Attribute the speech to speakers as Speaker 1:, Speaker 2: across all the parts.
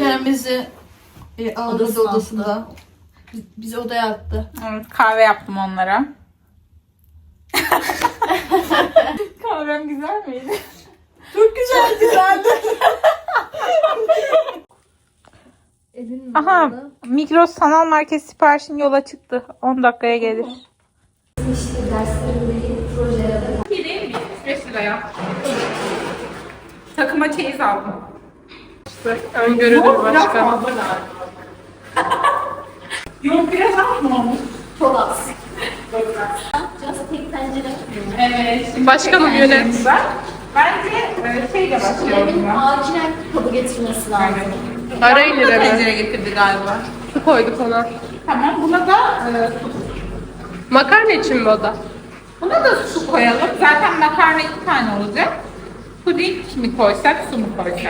Speaker 1: İrem bizi ağladı odasında. Bizi odaya attı.
Speaker 2: Evet, kahve yaptım onlara. Kahvem güzel miydi?
Speaker 1: Çok güzeldi.
Speaker 2: Aha, Migros sanal market siparişin yola çıktı. 10 dakikaya gelir. Değil mi? 5 liraya. Takıma çeyiz aldım. İşte öngörülür başka. Yok biraz az mı olmuş?
Speaker 1: Çok az. Just tek tencere.
Speaker 2: Evet. Başkanım yönet. Bence şeyle başlayalım.
Speaker 1: Benim acilen kabı getirmesi lazım.
Speaker 2: Arayın İrem'i.
Speaker 3: Tencere getirdi galiba.
Speaker 4: Su koyduk ona.
Speaker 2: Tamam, buna da
Speaker 4: Makarna için mi o da?
Speaker 2: buna da su koyalım. Zaten makarna 2 tane olacak. Puding mi koysak, su mu koysak?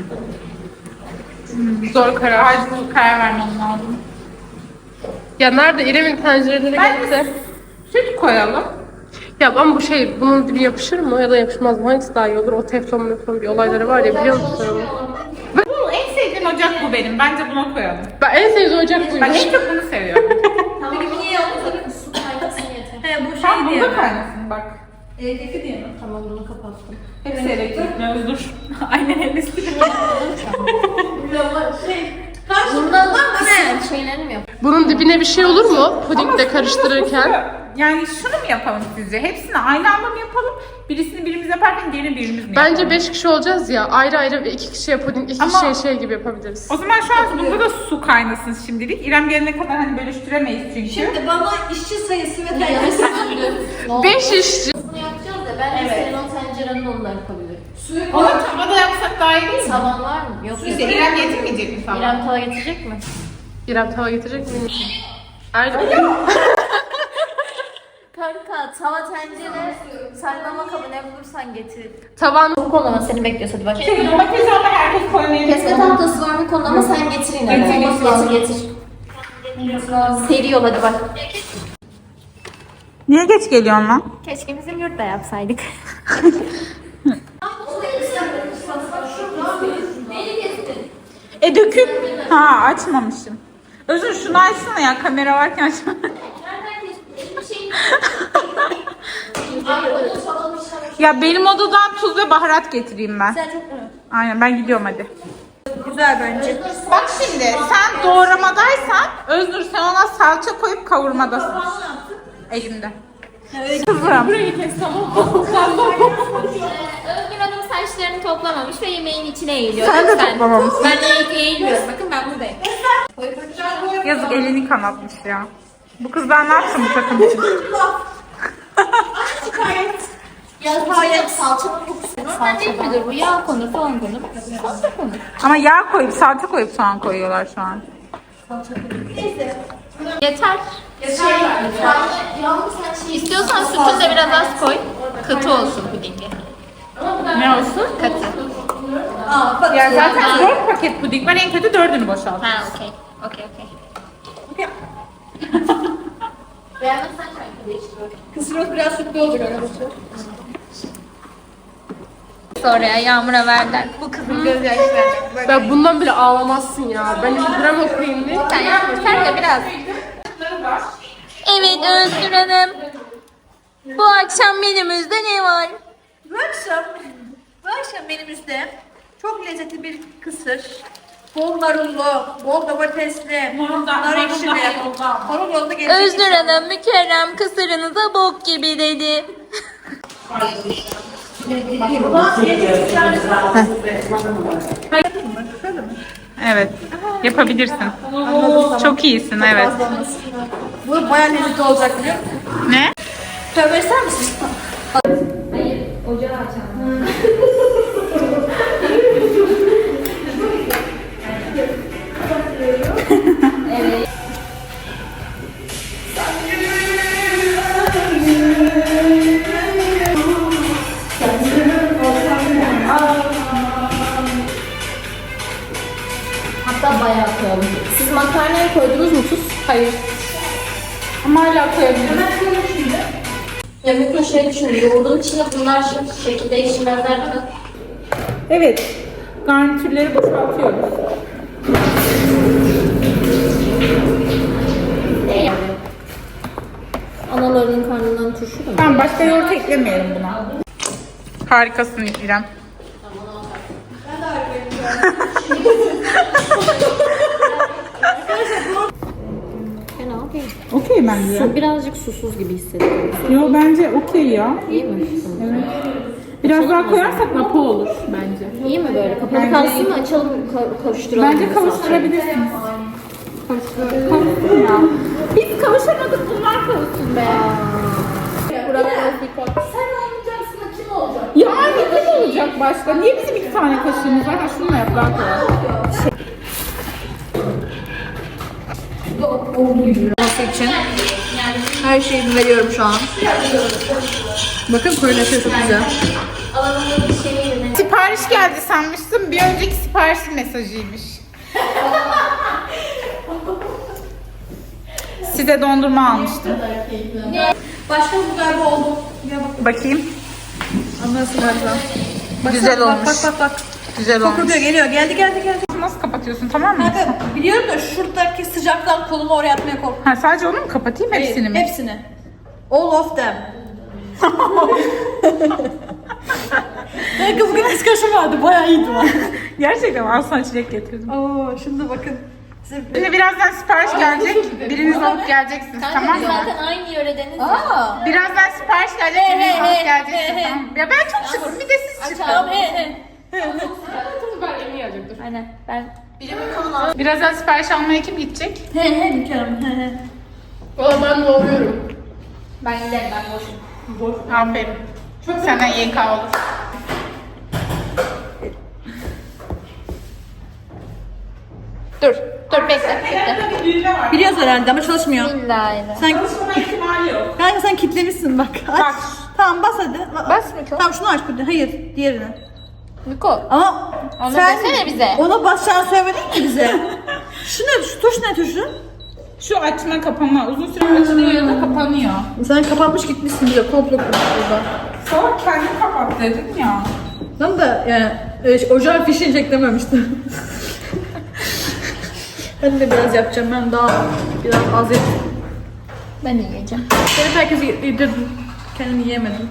Speaker 2: Zor karar. Acil karar vermem lazım.
Speaker 4: Ya nerede? İrem'in tencereleri
Speaker 2: Ben
Speaker 4: gitti.
Speaker 2: de süt koyalım.
Speaker 4: Ya ama bu şey, bunun dibi yapışır mı ya da yapışmaz mı? Hangisi daha iyi olur? O teflon bir olayları var ya, biliyor musun onu?
Speaker 2: Bu en sevdiğim ocak bu benim. Bence buna koyalım.
Speaker 4: Ben en sevdiğim ocak buymuş.
Speaker 2: Ben en çok bunu seviyorum.
Speaker 1: Peki bu niye oldu? Su kaynasın yeter.
Speaker 3: He bu şey
Speaker 2: Tam
Speaker 3: diye
Speaker 2: bunda
Speaker 3: mi?
Speaker 2: kaynasın bak.
Speaker 3: Evdeki diye mi?
Speaker 1: Tamam bunu kapattım.
Speaker 2: Hepsi elektrikli dur. Aynen hepsi.
Speaker 1: Bundan şeylerini mi yapalım?
Speaker 4: Bunun dibine bir şey olur mu? Pudingle karıştırırken.
Speaker 2: Yani şunu mu yapalım sizce? Hepsini aynı anda mı yapalım? Birisini birimiz yaparken diğerini birimiz mi yapalım?
Speaker 4: Bence 5 kişi olacağız ya. Ayrı ayrı ve 2 kişiye puding, 2
Speaker 2: Ama-
Speaker 4: kişiye şey gibi yapabiliriz.
Speaker 2: O zaman şu an bunda da su kaynasın şimdilik. İrem gelene kadar hani bölüştüremeyiz çünkü.
Speaker 3: Şimdi bana işçi sayısı ve tenceresi.
Speaker 4: 5 işçi.
Speaker 1: Bunu yapacağız da ben de senin o tencerenin onunla yapabilirim.
Speaker 2: Onu tavada yapsak daha iyi değil mi?
Speaker 1: Tavan var mı? Yok.
Speaker 2: İşte İrem getirmeyecek mi tava?
Speaker 1: İrem tava getirecek mi?
Speaker 4: İrem tava getirecek mi? Erdoğan.
Speaker 1: Kanka tava tencere saklama kabı ne bulursan getir.
Speaker 4: Tavan.
Speaker 1: Bu konuda seni bekliyoruz hadi bak.
Speaker 2: Domates ama herkes koymayı
Speaker 1: Kesme tahtası var bu konuda ama sen getir yine de. Getir. Seri yol hadi bak.
Speaker 2: Niye geç geliyorsun lan?
Speaker 1: Keşke bizim yurtta yapsaydık.
Speaker 2: Dökül. Ha açmamışım. Özür şunu açsana ya, kamera varken açma. Ya benim odadan tuz ve baharat getireyim ben. Aynen, ben gidiyorum hadi.
Speaker 3: Güzel bence.
Speaker 2: Bak şimdi sen doğramadaysan Öznur sen ona salça koyup kavurmadasın. Elimde. Kızım.
Speaker 1: Özgür Hanım saçlarını toplamamış ve yemeğin içine eğiliyor.
Speaker 2: Sen de
Speaker 1: Lütfen.
Speaker 2: toplamamışsın.
Speaker 1: Ben de eğilmiyorum. Bakın ben buradayım.
Speaker 2: Yazık, elini kanatmış ya. Bu kız ben ne yaptım bu takım için?
Speaker 1: Hayır. Salçanın kokusu. Normal değil midir bu? Yağ konur, soğan konur. Salça konur.
Speaker 2: Ama yağ koyup salça koyup soğan koyuyorlar şu an.
Speaker 1: Yeter. İstiyorsan sütünü de biraz az koy. Katı olsun pudingi.
Speaker 2: Ne olsun?
Speaker 1: Katı.
Speaker 2: Ya zaten 4 paket puding var, en kötü 4'ünü boşalt.
Speaker 1: Ha okey. Okey. Beğenmezsen kanka değiştir.
Speaker 3: Kısırımız biraz sütlü olacak arkadaşlar.
Speaker 1: Sonra Yağmur'a verdiler. Bu kızın gözyaşları.
Speaker 4: Ya bundan bile ağlamazsın ya. Ben bir gram okuyayım bir.
Speaker 1: Sen Yağmur sen de biraz. Evet Özgür Hanım. Bu akşam menümüzde ne var?
Speaker 3: Bu akşam menümüzde çok lezzetli bir kısır. Bol marullu, bol domatesli, nar ekşili. Marul yolda gelecek.
Speaker 1: Özgür Hanım mükerrem kısırınıza bok gibi dedi.
Speaker 2: Evet. Yapabilirsin. Çok iyisin, evet.
Speaker 3: Bu bayağı lezzetli olacak biliyor musun?
Speaker 2: Ne?
Speaker 3: Tövbe ister misin?
Speaker 1: Hatta bayağı koyalım. Siz makarnaya koydunuz mu tuz?
Speaker 4: Hayır.
Speaker 2: Ama hala koyabilirim.
Speaker 1: Ya mümkün şey düşünün. Yoğurdun içine bunlar şu şekilde içmezler değil mi?
Speaker 2: Evet. Garnitürleri boşaltıyoruz. eklemeyelim buna. Harikasın İrem.
Speaker 5: Fena değil.
Speaker 2: Okey bence.
Speaker 5: Su birazcık susuz gibi hissediyorum.
Speaker 2: Yo bence okey ya.
Speaker 5: İyi mi?
Speaker 2: Evet. Biraz daha koyarsak lapa olur bence.
Speaker 5: İyi mi böyle? Kapalı
Speaker 2: Bence
Speaker 5: kalsın
Speaker 2: iyi.
Speaker 5: mı? Açalım, kavuşturalım.
Speaker 2: Bence
Speaker 5: mı
Speaker 2: kavuşturabilirsiniz. Kavuştur ya. Biz kavuşamadık, bunlar kavuşsun be.
Speaker 1: Sen olmayacaksın da kim olacak?
Speaker 2: Ya kim olacak başka? Niye bizim 2 tane kaşığımız var? Ha şunu da yap daha kolay.
Speaker 3: Olması için her şeyimi veriyorum şu an. Bakın koyulaşıyor çok güzel.
Speaker 1: Alanında bir şey yerine.
Speaker 2: Sipariş geldi sanmıştım. Bir önceki siparişin mesajıymış. Size dondurma almıştım.
Speaker 3: Başka bu galiba oldu. Ya bak.
Speaker 2: Bakayım.
Speaker 3: Anlasın galiba.
Speaker 2: Güzel
Speaker 3: bak,
Speaker 2: olmuş.
Speaker 3: Bak.
Speaker 2: Güzel olmuş.
Speaker 3: Kokuyor geliyor. Geldi.
Speaker 2: Nasıl kapatıyorsun, tamam mı?
Speaker 3: Kanka biliyorum da şuradaki sıcaktan kolumu oraya atmaya korkuyorum.
Speaker 2: Ha, sadece onu mu kapatayım, hepsini mi?
Speaker 3: Hepsini. All of them. Kanka bugün eskişe vardı. Bayağı iyiydi o.
Speaker 2: Gerçekten al sana çilek getirdim.
Speaker 3: Oo, şimdi bakın.
Speaker 2: Şimdi birazdan sipariş gelecek. Biriniz alıp geleceksiniz,
Speaker 1: Kanka
Speaker 2: tamam
Speaker 1: biz
Speaker 2: mı?
Speaker 1: zaten aynı yöredeniz.
Speaker 3: Aa.
Speaker 2: Birazdan sipariş gelecek, biriniz alıp geleceksiniz, tamam mı? Ya ben çok şıkım, bir de siz çıkın.
Speaker 3: Tamam he.
Speaker 4: Ben yemeği yiyecektim.
Speaker 1: Aynen. Ben
Speaker 2: Birazdan sipariş almaya kim gidecek?
Speaker 3: He Mükemmel. He.
Speaker 4: Valla ben doğruyorum.
Speaker 1: giderim, ben boşum.
Speaker 2: Aferin. Senden YK olur.
Speaker 1: Dur bekle.
Speaker 3: Biliyoruz herhalde ama çalışmıyor.
Speaker 1: Billahi.
Speaker 3: Sen
Speaker 2: Çalışmama ihtimali yok.
Speaker 3: kanka sen kitlemişsin bak. Aç.
Speaker 2: Bak.
Speaker 3: Tamam bas hadi.
Speaker 1: Bas Miko.
Speaker 3: Tamam şunu aç bir de. Hayır diğerini.
Speaker 1: Miko.
Speaker 3: Ama
Speaker 1: Onu desene bize.
Speaker 3: Ona basacağını söylemedin ki bize. Şu ne? Şu tuş ne tuşu?
Speaker 2: Şu açma kapama uzun süre açılıyor ya da kapanıyor.
Speaker 3: Sen kapanmış gitmişsin bize. Komplo kurmuş burada.
Speaker 2: Sonra kendin kapat dedim ya.
Speaker 3: Tam da yani ocağın fişini çeklememiştim. Ben de biraz yapacağım. Ben daha biraz az yapayım.
Speaker 1: Ben yiyeceğim.
Speaker 3: Benim herkesi yedirdim. Kendimi yiyemedim.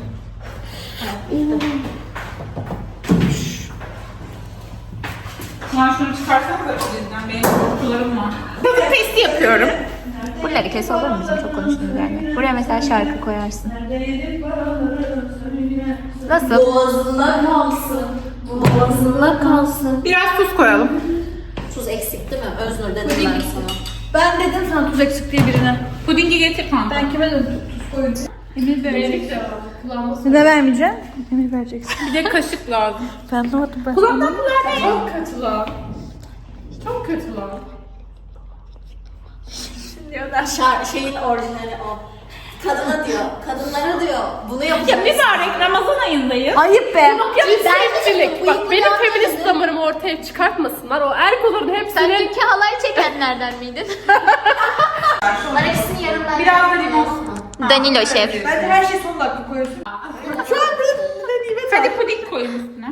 Speaker 2: Ulan şunu çıkarsanız da içinden benim korkularım var. Tadı testi yapıyorum.
Speaker 1: Buraları kes olur mu bizim çok konuştuğumuz yerler? Buraya mesela şarkı koyarsın. Nasıl?
Speaker 5: Boğazında kalsın. Boğazında kalsın.
Speaker 2: Biraz tuz koyalım.
Speaker 5: Tuz eksik değil mi? Öznur dedim ben sana.
Speaker 3: Ben dedim sana tuz eksik diye birine.
Speaker 2: Pudingi getir kanka.
Speaker 3: Ben kime dedim tuz koydum. Emir verecek.
Speaker 4: Kulağıma
Speaker 3: Ne vermeyeceğim? Emir vereceksin.
Speaker 2: Bir de kaşık lazım.
Speaker 3: Ben anlamadım ben.
Speaker 2: Kulaktan kulağına ne?
Speaker 4: çok kötü lan. Çok kötü lan.
Speaker 5: Şeyin orijinali o. Kadına diyor. Kadınlara diyor. Bunu
Speaker 2: Ya
Speaker 5: yapacağız.
Speaker 2: mübarek Ramazan ayındayız.
Speaker 3: Ayıp be.
Speaker 4: Cinsiyetçilik. Bak benim feminist damarımı ortaya çıkartmasınlar. O erkoların
Speaker 1: Sen
Speaker 4: hepsini...
Speaker 1: dünkü halay çekenlerden miydin? Bunlar ikisini yarımlar.
Speaker 2: Biraz da limon.
Speaker 1: Danilo şef.
Speaker 3: Ben de her şeyi son dakika koyuyorsun. Şu an bir nimet
Speaker 2: Hadi puding koyun üstüne.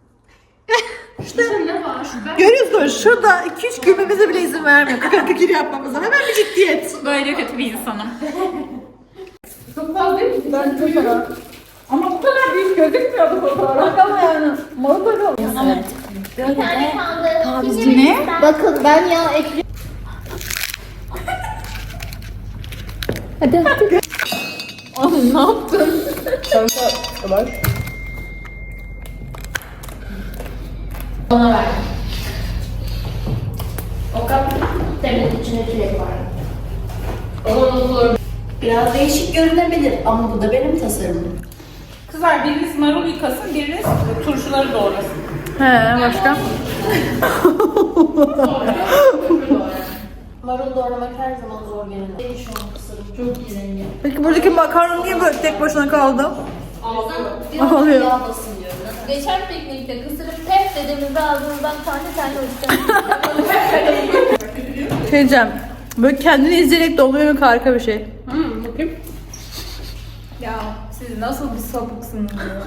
Speaker 3: görüyorsunuz şurada 2-3 gülmemize bile izin vermiyor. Kıkır kıkır yapmamıza. Hemen bir ciddiyet.
Speaker 2: Böyle kötü bir insanım.
Speaker 4: Çok fazla değil mi? Ben çok fena.
Speaker 2: Ama bu kadar büyük gözükmüyordu fotoğraf.
Speaker 3: Ama yani malı da kaldı.
Speaker 2: Ne?
Speaker 1: Bakın ben ya ekliyorum. Ona ver. O kap demin içine çilek var.
Speaker 5: Biraz değişik görünebilir ama bu da benim tasarımım.
Speaker 2: Kızlar biriniz marul yıkasın, biriniz turşuları doğrasın.
Speaker 3: He başka?
Speaker 5: Marul doğramak her zaman zor gelen. Benim şu an tasarım çok güzel.
Speaker 3: Peki buradaki makarna niye böyle tek başına kaldı?
Speaker 5: Biraz yağ basın diyorum.
Speaker 1: Geçen piknikte kısırıp pef dediğimizde ağzımızdan tane tane uçtu.
Speaker 3: Şey diyeceğim. Böyle kendini izleyerek de oluyor mu harika bir şey.
Speaker 4: Bakayım.
Speaker 2: Ya siz nasıl bir sapıksınız ya?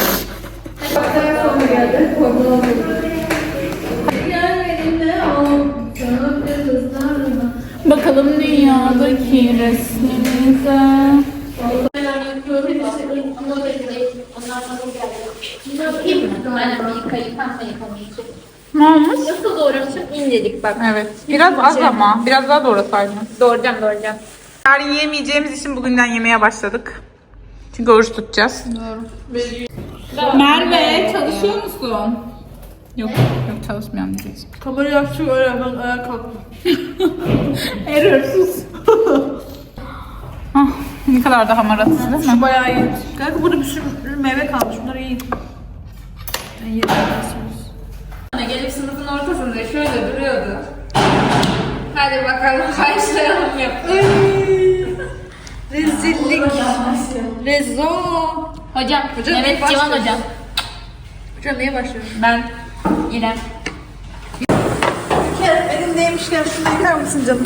Speaker 2: Bakalım dünyadaki resminize.
Speaker 1: Aynen bir yıkamayacak.
Speaker 2: Ne olmuş?
Speaker 1: Nasıl doğramışım? İncelik bak.
Speaker 2: Evet. Biraz az ama. Biraz daha doğrasaydın.
Speaker 1: Doğrayacağım.
Speaker 2: Yarın yiyemeyeceğimiz için bugünden yemeye başladık. Çünkü oruç tutacağız. Merve çalışıyor musun? Yok çalışmıyorum diyeceksin.
Speaker 3: Kamerayı açtık öyle ben ayağa kalktım.
Speaker 2: Erörsüz. Ne kadar da hamaratız değil mi?
Speaker 3: Bayağı iyi. Kanka burada bir sürü meyve kalmış. Bunları yiyin. Ben yedim.
Speaker 1: Gelip sınıfın ortasında şöyle duruyordu. Hadi bakalım karşılayalım yapıyor.
Speaker 3: Rezillik. Rezo.
Speaker 1: Hocam, evet
Speaker 3: başla.
Speaker 1: Civan hocam.
Speaker 3: Hocam neye başlıyoruz?
Speaker 1: Ben İrem.
Speaker 3: Elimdeymişken şunu yıkar mısın canım?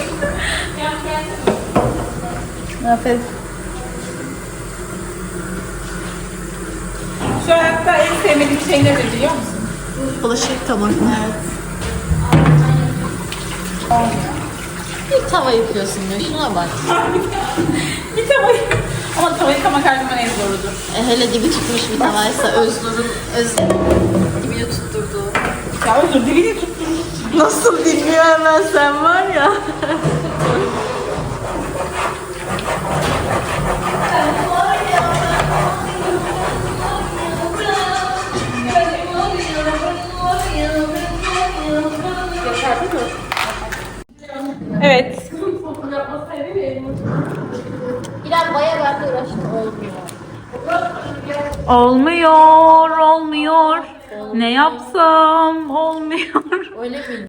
Speaker 3: Aferin.
Speaker 2: Şu hayatta en sevmediğim şey nedir biliyor musun?
Speaker 5: Bulaşık yıkamak. Evet. Bir tava yıkıyorsun diyor. Şuna bak.
Speaker 2: Bir tava ama tava yıkamak her zaman en zorudur.
Speaker 5: Hele dibi çıkmış bir tavaysa Öznur'un dibini tutturduğu.
Speaker 2: Ya özür dilini tutturmuş.
Speaker 5: Nasıl bilmiyor hemen sen var ya.
Speaker 2: Evet.
Speaker 1: İrem bayağı ben de uğraştım. Olmuyor.
Speaker 2: Olmuyor. Ne yapsam olmuyor.
Speaker 1: Öyle mi?